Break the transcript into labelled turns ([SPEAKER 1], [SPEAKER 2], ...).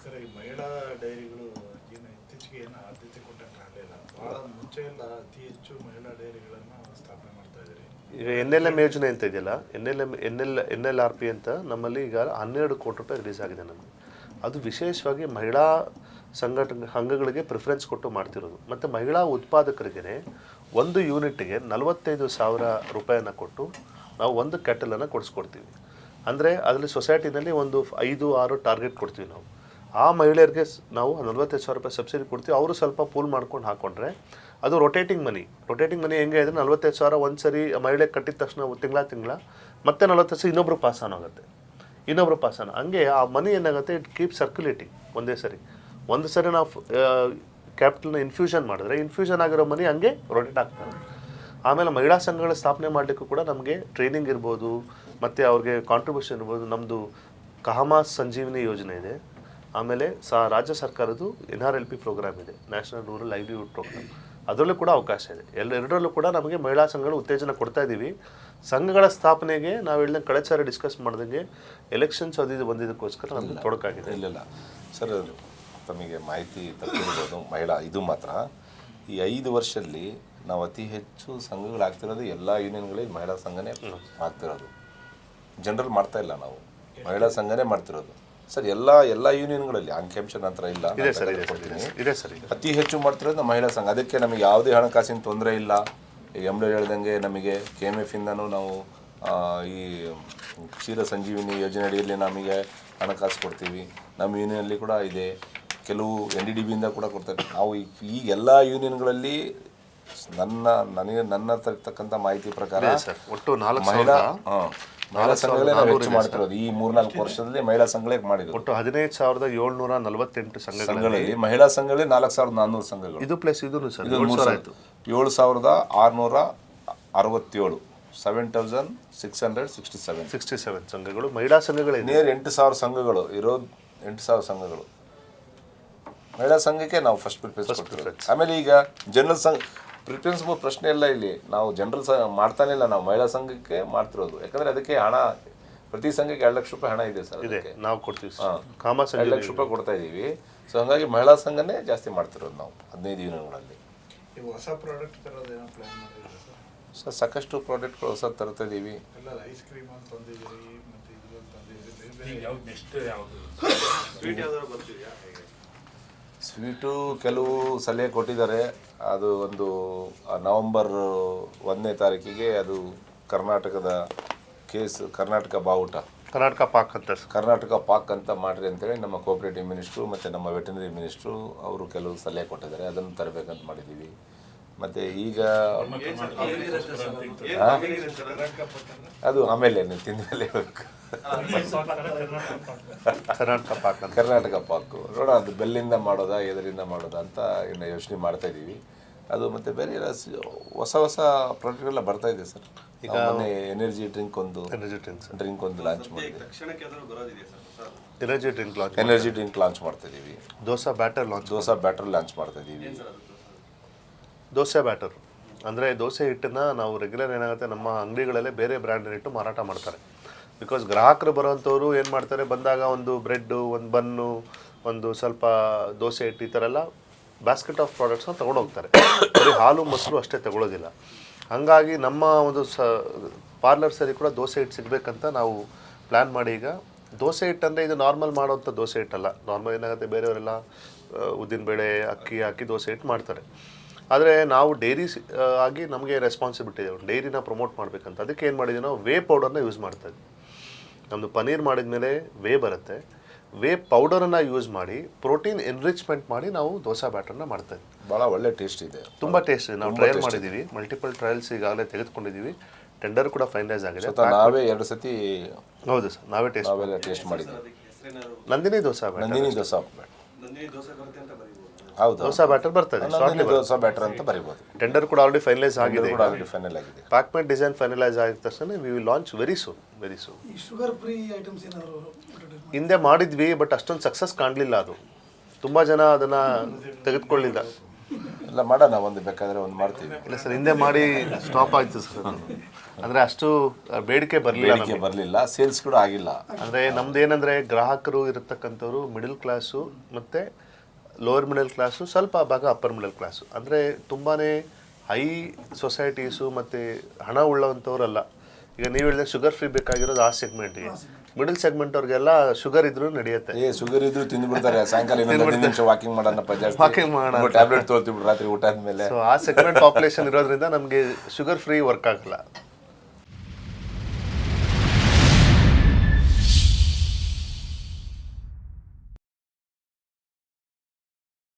[SPEAKER 1] Sir, ಈ ಮಹಿಳಾ ಡೈರಿಗಳು ಏನು ಇತ್ತೀಚೆಗೆ ಏನು ಆದ್ಯತೆ ಕೊಟ್ಟಂಗೆ ಆಗಲಿಲ್ಲ. ಭಾಳ ಮುಂಚೆ ಎಲ್ಲ ಅತಿ ಹೆಚ್ಚು ಮಹಿಳಾ ಡೈರಿಗಳನ್ನು ಸ್ಥಾಪನೆ ಮಾಡ್ತಾ ಇದ್ದಾರೆ.
[SPEAKER 2] ಈಗ NLM ಯೋಜನೆ ಅಂತ ಇದೆಯಲ್ಲ, NLRP ಅಂತ ನಮ್ಮಲ್ಲಿ ಈಗ 12 ಕೋಟಿ ರೂಪಾಯಿ ರಿಲೀಸ್ ಆಗಿದೆ ನಮಗೆ. ಅದು ವಿಶೇಷವಾಗಿ ಮಹಿಳಾ ಸಂಘಗಳಿಗೆ ಪ್ರಿಫರೆನ್ಸ್ ಕೊಟ್ಟು ಮಾಡ್ತಿರೋದು. ಮತ್ತು ಮಹಿಳಾ ಉತ್ಪಾದಕರಿಗೆ ಒಂದು ಯೂನಿಟ್ಗೆ 45,000 ರೂಪಾಯಿನ ಕೊಟ್ಟು ನಾವು ಒಂದು ಕ್ಯಾಟಲನ್ನು ಕೊಡಿಸ್ಕೊಡ್ತೀವಿ. ಅಂದರೆ ಅದರಲ್ಲಿ ಸೊಸೈಟಿನಲ್ಲಿ ಒಂದು 5-6 ಟಾರ್ಗೆಟ್ ಕೊಡ್ತೀವಿ ನಾವು. ಆ ಮಹಿಳೆಯರಿಗೆ ನಾವು 45,000 ರೂಪಾಯಿ ಸಬ್ಸಿಡಿ ಕೊಡ್ತೀವಿ. ಅವರು ಸ್ವಲ್ಪ ಪೂಲ್ ಮಾಡ್ಕೊಂಡು ಹಾಕ್ಕೊಂಡ್ರೆ ಅದು ರೊಟೇಟಿಂಗ್ ಮನಿ ಹೆಂಗೆ ಇದ್ರೆ 45,000 ಒಂದು ಸರಿ ಮಹಿಳೆ ಕಟ್ಟಿದ ತಕ್ಷಣ ತಿಂಗಳ ಮತ್ತೆ 40,000 ಇನ್ನೊಬ್ರು ಪಾಸ್ ಆನ್ ಆಗುತ್ತೆ, ಹಂಗೆ ಆ ಮನಿ ಏನಾಗುತ್ತೆ, ಇಟ್ ಕೀಪ್ ಸರ್ಕ್ಯುಲೇಟಿಂಗ್. ಒಂದು ಸರಿ ನಾವು ಕ್ಯಾಪಿಟಲ್ನ ಇನ್ಫ್ಯೂಷನ್ ಮಾಡಿದ್ರೆ ಇನ್ಫ್ಯೂಷನ್ ಆಗಿರೋ ಮನಿ ಹಂಗೆ ರೊಟೇಟ್ ಆಗ್ತದೆ. ಆಮೇಲೆ ಮಹಿಳಾ ಸಂಘಗಳ ಸ್ಥಾಪನೆ ಮಾಡಲಿಕ್ಕೂ ಕೂಡ ನಮಗೆ ಟ್ರೈನಿಂಗ್ ಇರ್ಬೋದು, ಮತ್ತು ಅವ್ರಿಗೆ ಕಾಂಟ್ರಿಬ್ಯೂಷನ್ ಇರ್ಬೋದು. ನಮ್ಮದು ಕಹಮಾ ಸಂಜೀವಿನಿ ಯೋಜನೆ ಇದೆ. ಆಮೇಲೆ ರಾಜ್ಯ ಸರ್ಕಾರದ್ದು NRLP ಪ್ರೋಗ್ರಾಮ್ ಇದೆ, ನ್ಯಾಷನಲ್ ರೂರಲ್ ಲೈವ್ಲಿಹುಡ್ ಪ್ರೋಗ್ರಾಮ್. ಅದರಲ್ಲೂ ಕೂಡ ಅವಕಾಶ ಇದೆ. ಎರಡರಲ್ಲೂ ಕೂಡ ನಮಗೆ ಮಹಿಳಾ ಸಂಘಗಳು ಉತ್ತೇಜನ ಕೊಡ್ತಾ ಇದ್ದೀವಿ. ಸಂಘಗಳ ಸ್ಥಾಪನೆಗೆ ನಾವು ಹೇಳಿದಂಗೆ ಕಳೆದ ಸಾರಿ ಡಿಸ್ಕಸ್ ಮಾಡಿದಂಗೆ ಎಲೆಕ್ಷನ್ಸ್ ಬಂದಿದ್ದಕ್ಕೋಸ್ಕರ ನಮಗೆ ತೊಡಕಾಗಿದೆ.
[SPEAKER 3] ಇಲ್ಲ ಸರ್, ತಮಗೆ ಮಾಹಿತಿ ತಪ್ಪಿರ್ಬೋದು. ಮಹಿಳಾ ಇದು ಮಾತ್ರ ಈ 5 ವರ್ಷದಲ್ಲಿ ನಾವು ಅತಿ ಹೆಚ್ಚು ಸಂಘಗಳಾಗ್ತಿರೋದು ಎಲ್ಲ ಯೂನಿಯನ್ಗಳಲ್ಲಿ ಮಹಿಳಾ ಸಂಘನೇ ಆಗ್ತಿರೋದು. ಜನರಲ್ ಮಾಡ್ತಾ ಇಲ್ಲ, ನಾವು ಮಹಿಳಾ ಸಂಘನೇ ಮಾಡ್ತಿರೋದು ಸರ್. ಎಲ್ಲ ಯೂನಿಯನ್ಗಳಲ್ಲಿ ಅಂಕಿಅಂಶ ನಂತರ ಇಲ್ಲ, ಅತಿ ಹೆಚ್ಚು ಮಾಡ್ತಿರೋದು ನಮ್ಮ ಮಹಿಳಾ ಸಂಘ. ಅದಕ್ಕೆ ನಮಗೆ ಯಾವುದೇ ಹಣಕಾಸಿನ ತೊಂದರೆ ಇಲ್ಲ. ಈಗ MD ಹೇಳ್ದಂಗೆ ನಮಗೆ KMF ಇಂದನೂ ನಾವು ಈ ಕ್ಷೀರ ಸಂಜೀವಿನಿ ಯೋಜನೆ ಅಡಿಯಲ್ಲಿ ನಮಗೆ ಹಣಕಾಸು ಕೊಡ್ತೀವಿ. ನಮ್ಮ ಯೂನಿಯನಲ್ಲಿ ಕೂಡ ಇದೆ, ಕೆಲವು NDDBಯಿಂದ ಕೂಡ ಕೊಡ್ತಾರೆ. ನಾವು ಈ ಎಲ್ಲ ಯೂನಿಯನ್ಗಳಲ್ಲಿ ನನ್ನ ತರ್ತಕ್ಕಂಥ ಮಾಹಿತಿ ಪ್ರಕಾರ
[SPEAKER 2] ಒಟ್ಟು
[SPEAKER 3] ಮಹಿಳಾ ಸಂಘಗಳೇ ನಾವು ಹೆಚ್ಚು ಮಾಡ್ತಿರೋದು. ಈ 3-4 ವರ್ಷದಲ್ಲಿ ಮಹಿಳಾ ಸಂಘಗಳೇ ಮಾಡಿದ್ರು.
[SPEAKER 2] ಒಟ್ಟು 15,748 ಸಂಘಗಳಲ್ಲಿ
[SPEAKER 3] ಮಹಿಳಾ ಸಂಘಗಳೇ 4,400 ಸಂಘಗಳು.
[SPEAKER 2] ಇದು ಪ್ಲಸ್ ಇದು
[SPEAKER 3] 7,667 7,667
[SPEAKER 2] ಸಂಘಗಳು ಮಹಿಳಾ ಸಂಘಗಳೇ.
[SPEAKER 3] ನೇರ್ 8,000 ಸಂಘಗಳು ಇರೋದು. 8,000 ಸಂಘಗಳು ಮಹಿಳಾ ಸಂಘಕ್ಕೆ ನಾವು ಫಸ್ಟ್ ಪ್ರಿಫರೆನ್ಸ್ ಕೊಡ್ತೀವಿ. ಆಮೇಲೆ ಈಗ ಜನರಲ್ ಸಂಘ ಪ್ರಿಫರೆನ್ಸ್ ಪ್ರಶ್ನೆ ಇಲ್ಲ. ಇಲ್ಲಿ ನಾವು ಜನರಲ್ ಮಾಡ್ತಾನೆ ಇಲ್ಲ, ನಾವು ಮಹಿಳಾ ಸಂಘಕ್ಕೆ ಮಾಡ್ತಿರೋದು. ಯಾಕಂದ್ರೆ ಅದಕ್ಕೆ ಹಣ ಪ್ರತಿ ಸಂಘಕ್ಕೆ 2 ಲಕ್ಷ ರೂಪಾಯಿ ಹಣ ಇದೆ ಸರ್.
[SPEAKER 2] ನಾವು ಕೊಡ್ತೀವಿ,
[SPEAKER 3] 2 ಲಕ್ಷ ರೂಪಾಯಿ ಕೊಡ್ತಾ ಇದೀವಿ. ಸೊ ಹಂಗಾಗಿ ಮಹಿಳಾ ಸಂಘನೇ ಜಾಸ್ತಿ ಮಾಡ್ತಿರೋದು ನಾವು 15 ಯೂನಿಯನ್ಗಳಲ್ಲಿ.
[SPEAKER 1] ಹೊಸ ಪ್ರಾಡಕ್ಟ್ ತರೋದು ಏನೋ ಪ್ಲಾನ್ ಮಾಡಿದ್ದೀರಾ
[SPEAKER 3] ಸರ್? ಸಾಕಷ್ಟು ಪ್ರಾಡಕ್ಟ್ಗಳು ಹೊಸ ತರ್ತಾ ಇದ್ದೀವಿ.
[SPEAKER 1] ಎಲ್ಲ ಐಸ್ ಕ್ರೀಮ್ ಅಂತ ತಂದಿದ್ದೀರಿ, ಮತ್ತು ಇದು ತಂದಿದ್ದೀರಿ.
[SPEAKER 3] ಸ್ವೀಟು ಕೆಲವು ಸಲಹೆ ಕೊಟ್ಟಿದ್ದಾರೆ. ಅದು ಒಂದು ನವೆಂಬರ್ 1ನೇ ತಾರೀಕಿಗೆ ಅದು ಕರ್ನಾಟಕದ ಕರ್ನಾಟಕ ಬಾವುಟ, ಕರ್ನಾಟಕ ಪಾಕ್ ಅಂತ ಮಾಡ್ರಿ ಅಂತೇಳಿ ನಮ್ಮ ಕೋಆಪರೇಟಿವ್ ಮಿನಿಸ್ಟ್ರು ಮತ್ತು ನಮ್ಮ ವೆಟನರಿ ಮಿನಿಸ್ಟ್ರು ಅವರು ಕೆಲವು ಸಲಹೆ ಕೊಟ್ಟಿದ್ದಾರೆ. ಅದನ್ನು ತರಬೇಕಂತ ಮಾಡಿದ್ದೀವಿ. ಮತ್ತು ಈಗ ಅದು ಆಮೇಲೆ ನೀವು ತಿಂದ ಮೇಲೆ ಹೇಳಬೇಕು. ಕರ್ನಾಟಕ ಪಾಕು ನೋಡೋಣ, ಅದು ಬೆಲ್ಲಿಂದ ಮಾಡೋದಾ ಎದರಿಂದ ಮಾಡೋದಾ ಅಂತ ಇನ್ನು ಯೋಚನೆ ಮಾಡ್ತಾ ಇದ್ದೀವಿ. ಅದು ಮತ್ತು ಬೇರೆ ಹೊಸ ಪ್ರಾಡಕ್ಟ್ಗಳೆಲ್ಲ ಬರ್ತಾ ಇದೆ ಸರ್. ಈಗ ಎನರ್ಜಿ ಡ್ರಿಂಕ್ ಒಂದು ಲಾಂಚ್ ಮಾಡಿದ್ದೀವಿ. ಎನರ್ಜಿ ಡ್ರಿಂಕ್ ಲಾಂಚ್ ಮಾಡ್ತಾ ಇದ್ದೀವಿ.
[SPEAKER 2] ದೋಸಾ ಬ್ಯಾಟರ್
[SPEAKER 3] ಲಾಂಚ್ ಮಾಡ್ತಾ ಇದ್ದೀವಿ.
[SPEAKER 2] ದೋಸೆ ಬ್ಯಾಟರ್ ಅಂದರೆ ದೋಸೆ ಹಿಟ್ಟನ್ನು ನಾವು ರೆಗ್ಯುಲರ್ ಏನಾಗುತ್ತೆ, ನಮ್ಮ ಅಂಗಡಿಗಳಲ್ಲೇ ಬೇರೆ ಬ್ರ್ಯಾಂಡ್ ಹಿಟ್ಟು ಮಾರಾಟ ಮಾಡ್ತಾರೆ. ಬಿಕಾಸ್ ಗ್ರಾಹಕರು ಬರೋವಂಥವ್ರು ಏನು ಮಾಡ್ತಾರೆ, ಬಂದಾಗ ಒಂದು ಬ್ರೆಡ್ಡು, ಒಂದು ಬನ್ನು, ಒಂದು ಸ್ವಲ್ಪ ದೋಸೆ ಹಿಟ್ಟು, ಈ ಥರ ಎಲ್ಲ ಬ್ಯಾಸ್ಕೆಟ್ ಆಫ್ ಪ್ರಾಡಕ್ಟ್ಸ್ನ ತೊಗೊಂಡೋಗ್ತಾರೆ. ಬರೀ ಹಾಲು ಮೊಸರು ಅಷ್ಟೇ ತಗೊಳ್ಳೋದಿಲ್ಲ. ಹಾಗಾಗಿ ನಮ್ಮ ಒಂದು ಪಾರ್ಲರ್ಸಲ್ಲಿ ಕೂಡ ದೋಸೆ ಹಿಟ್ಟು ಸಿಗಬೇಕಂತ ನಾವು ಪ್ಲ್ಯಾನ್ ಮಾಡಿ, ಈಗ ದೋಸೆ ಹಿಟ್ಟು ಅಂದರೆ ಇದು ನಾರ್ಮಲ್ ಮಾಡೋವಂಥ ದೋಸೆ ಹಿಟ್ಟಲ್ಲ. ನಾರ್ಮಲ್ ಏನಾಗುತ್ತೆ, ಬೇರೆಯವರೆಲ್ಲ ಉದ್ದಿನಬೇಳೆ ಅಕ್ಕಿ ಹಾಕಿ ದೋಸೆ ಹಿಟ್ಟು ಮಾಡ್ತಾರೆ. ಆದರೆ ನಾವು ಡೈರಿ ಆಗಿ ನಮಗೆ ರೆಸ್ಪಾನ್ಸಿಬಿಲಿಟಿ ಇದೆ, ಡೈರಿನ ಪ್ರಮೋಟ್ ಮಾಡಬೇಕಂತ. ಅದಕ್ಕೆ ಏನು ಮಾಡಿದ್ದೀವಿ, ನಾವು ವೇ ಪೌಡರ್ನ ಯೂಸ್ ಮಾಡ್ತಾಯಿದ್ವಿ. ನಮ್ಮದು ಪನ್ನೀರ್ ಮಾಡಿದ ಮೇಲೆ ವೇ ಬರುತ್ತೆ, ವೇ ಪೌಡರನ್ನು ಯೂಸ್ ಮಾಡಿ ಪ್ರೋಟೀನ್ ಎನ್ರಿಚ್ಮೆಂಟ್ ಮಾಡಿ ನಾವು ದೋಸಾ ಬ್ಯಾಟರ್ನ ಮಾಡ್ತಾಯಿದ್ವಿ.
[SPEAKER 3] ಭಾಳ ಒಳ್ಳೆ ಟೇಸ್ಟ್ ಇದೆ,
[SPEAKER 2] ತುಂಬ ಟೇಸ್ಟ್ ಇದೆ. ನಾವು ಟ್ರಯಲ್ ಮಾಡಿದ್ದೀವಿ, ಮಲ್ಟಿಪಲ್ ಟ್ರಯಲ್ಸ್ ಈಗಾಗಲೇ ತೆಗೆದುಕೊಂಡಿದ್ದೀವಿ. ಟೆಂಡರ್ ಕೂಡ ಫೈನಲೈಸ್ ಆಗಿದೆ.
[SPEAKER 3] ನಾವೇ 2 ಸತಿ
[SPEAKER 2] ಹೌದು ಸರ್, ನಾವೇ
[SPEAKER 3] ಟೇಸ್ಟ್ ಮಾಡಿದ್ದೀವಿ.
[SPEAKER 2] ನಂದಿನಿ ದೋಸಾ
[SPEAKER 3] ಹೌದು,
[SPEAKER 2] ದೋಸಾ ಬ್ಯಾಟರ್ ಬರ್ತದೆ,
[SPEAKER 3] ದೋಸಾ ಬ್ಯಾಟರ್ ಅಂತ ಬರೀಬಹುದು.
[SPEAKER 2] ಟೆಂಡರ್ ಕೂಡ ಆಲ್ರೆಡಿ ಫೈನಲೈಸ್ ಆಗಿದೆ.
[SPEAKER 3] ಪ್ಯಾಕ್ಮೆಂಟ್
[SPEAKER 2] ಡಿಸೈನ್ ಫೈನಲೈಸ್ ಆಗಿದ ತಕ್ಷಣ we will launch very soon.
[SPEAKER 1] Sugar free items ಏನಾದರೂ
[SPEAKER 2] ಹಿಂದೆ ಮಾಡಿದ್ವಿ, ಬಟ್ ಅಷ್ಟೊಂದು ಸಕ್ಸಸ್ ಕಾಣಲಿಲ್ಲ. ಅದು ತುಂಬ ಜನ ಅದನ್ನು ತೆಗೆದುಕೊಳ್ಳಿಲ್ಲ.
[SPEAKER 3] ಎಲ್ಲ ಮಾಡೋಣ, ಒಂದು ಬೇಕಾದರೆ ಒಂದು ಮಾಡ್ತೀವಿ.
[SPEAKER 2] ಇಲ್ಲ ಸರ್, ಹಿಂದೆ ಮಾಡಿ ಸ್ಟಾಪ್ ಆಯಿತು ಸರ್. ಅಂದರೆ ಅಷ್ಟು ಬೇಡಿಕೆ ಬರಲಿಲ್ಲ,
[SPEAKER 3] ಬೇಡಿಕೆ ಬರಲಿಲ್ಲ, ಸೇಲ್ಸ್ ಕೂಡ ಆಗಿಲ್ಲ.
[SPEAKER 2] ಅಂದರೆ ನಮ್ದು ಏನಂದರೆ ಗ್ರಾಹಕರು ಇರತಕ್ಕಂಥವ್ರು ಮಿಡಲ್ ಕ್ಲಾಸು ಮತ್ತು ಲೋವರ್ ಮಿಡಲ್ ಕ್ಲಾಸು, ಸ್ವಲ್ಪ ಭಾಗ ಅಪ್ಪರ್ ಮಿಡಲ್ ಕ್ಲಾಸು. ಅಂದರೆ ತುಂಬಾ ಹೈ ಸೊಸೈಟೀಸು ಮತ್ತು ಹಣ ಉಳ್ಳವಂಥವ್ರಲ್ಲ. ಈಗ ನೀವು ಹೇಳಿದ್ರೆ ಶುಗರ್ ಫ್ರೀ ಬೇಕಾಗಿರೋದು ಆ ಸೆಗ್ಮೆಂಟ್ಗೆ. ಮಿಡಲ್ ಸೆಗ್ಮೆಂಟ್ ಅವ್ರಿಗೆಲ್ಲ ಶುಗರ್ ಇದ್ರೂ ನಡೆಯುತ್ತೆ.
[SPEAKER 3] ಶುಗರ್ ಇದ್ರು ತಿಂದ್ಬಿಡ್ತಾರೆ. ಸಾಯಂಕಾಲ 15 ನಿಮಿಷ ವಾಕಿಂಗ್ ಮಾಡೋಣಪ್ಪ,
[SPEAKER 2] ವಾಕಿಂಗ್ ಮಾಡೋಣ,
[SPEAKER 3] ಟ್ಯಾಬ್ಲೆಟ್ ತೊಗೊಳ್ತೀವಿ ರಾತ್ರಿ ಊಟ ಆದ್ಮೇಲೆ.
[SPEAKER 2] ಸೊ ಆ ಸೆಗ್ಮೆಂಟ್ ಪಾಪ್ಯುಲೇಷನ್ ಇರೋದ್ರಿಂದ ನಮಗೆ ಶುಗರ್ ಫ್ರೀ ವರ್ಕ್ ಆಗಲ್ಲ.